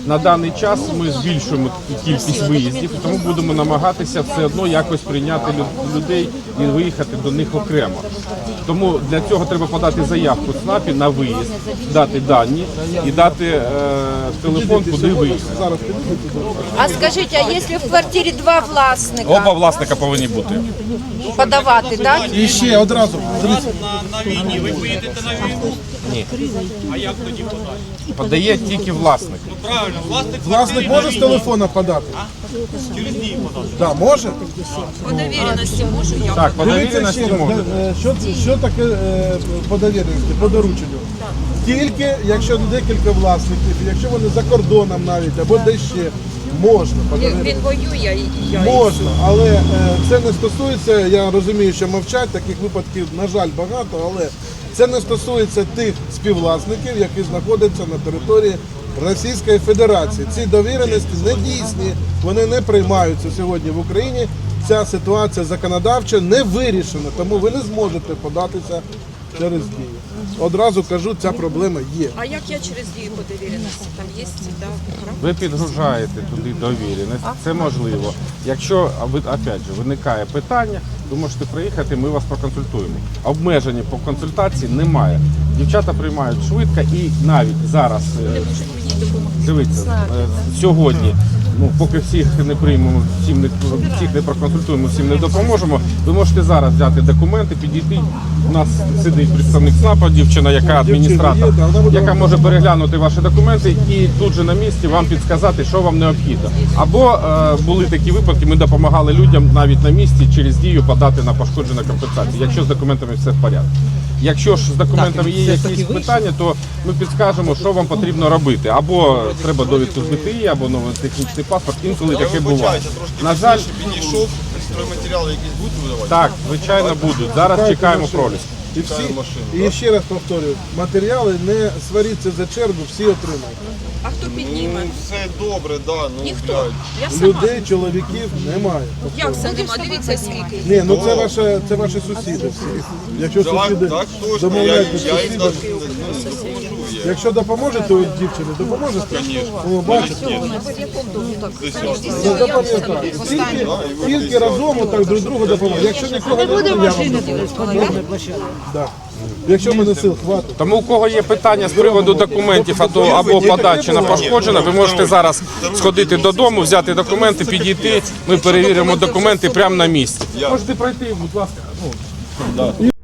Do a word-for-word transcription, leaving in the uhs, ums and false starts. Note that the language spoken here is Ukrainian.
На даний час ми збільшуємо кількість виїздів, тому будемо намагатися все одно якось прийняти людей і виїхати до них окремо. Тому для цього треба подати заявку в ЦНАПі на виїзд, дати дані і дати е, телефон, куди виїхати. А скажіть, а якщо в квартирі два власника Оба власника повинні бути. подавати, так? І ще одразу. Дивіться. На війні ви поїдете на війну? Ні. А як тоді подати? Подає тільки власник. Ну правильно, власник Власник може з телефона подати? через дії подати. Так, може? По довіреності можу я. Так, по Дивіться довіреності ще раз, можна. е, що, що таке е, по довіреності, по дорученню? Тільки якщо декілька власників, якщо вони за кордоном навіть, або де ще, можна. по довіреності. Він воює і я. Можна, але е, це не стосується, я розумію, що мовчать, таких випадків, на жаль, багато, але це не стосується тих співвласників, які знаходяться на території Російської Федерації. Ці довіреності не дійсні, вони не приймаються сьогодні в Україні. Ця ситуація законодавча не вирішена, тому ви не зможете податися через дію. Одразу кажу, ця проблема є. А як я через дію по довіреності? Там є, так? Ви підгружаєте туди довіреність, це можливо. Якщо, а ви, опять же, виникає питання, ви можете приїхати, ми вас проконсультуємо. Обмеження по консультації немає. Дівчата приймають швидко і навіть зараз, е, дивіться, е, сьогодні, ну, поки всіх не приймемо, всім не, всіх не проконсультуємо, всім не допоможемо, ви можете зараз взяти документи, підійти. У нас сидить представник ЦНАПа, дівчина, яка адміністратор, яка може переглянути ваші документи і тут же на місці вам підказати, що вам необхідно. Або е, були такі випадки, ми допомагали людям навіть на місці через дію подати на пошкоджену компенсацію, якщо з документами все в порядку. Якщо ж з документами є якісь питання, то ми підскажемо, що вам потрібно робити. Або треба довідку з Б Т І, або новий технічний паспорт, інколи таке буває. На жаль, підійшов, стройматеріали якісь будуть видавати? так, звичайно, будуть. Зараз чекаємо проліс. І, всі, і ще раз повторюю, матеріали не сваріться за чергу, всі отримають. А хто підніме? Ну, все добре, да, ну, Ніхто. блядь. Я сама. Людей, чоловіків немає. Як це нема? Дивіться скільки. Ні, ну це ваші, це ваші сусіди всі. Якщо Так, сусіди так, точно, я, домовляєтесь з я їм сусідами, ну, не допоможу. Я. якщо допоможете от дівчині, допоможете? О, бачите? Ну, запам'ятайте. Тільки, тільки разом отак друг другу допомогти. Якщо нікого не буде, я вам допоможу. Да. Якщо мене сил хватить. Тому у кого є питання з приводу документів або, або подачі на пошкоджене, ви можете зараз сходити додому, взяти документи, підійти, ми перевіримо документи прямо на місці. Можете пройти, будь ласка. Ну,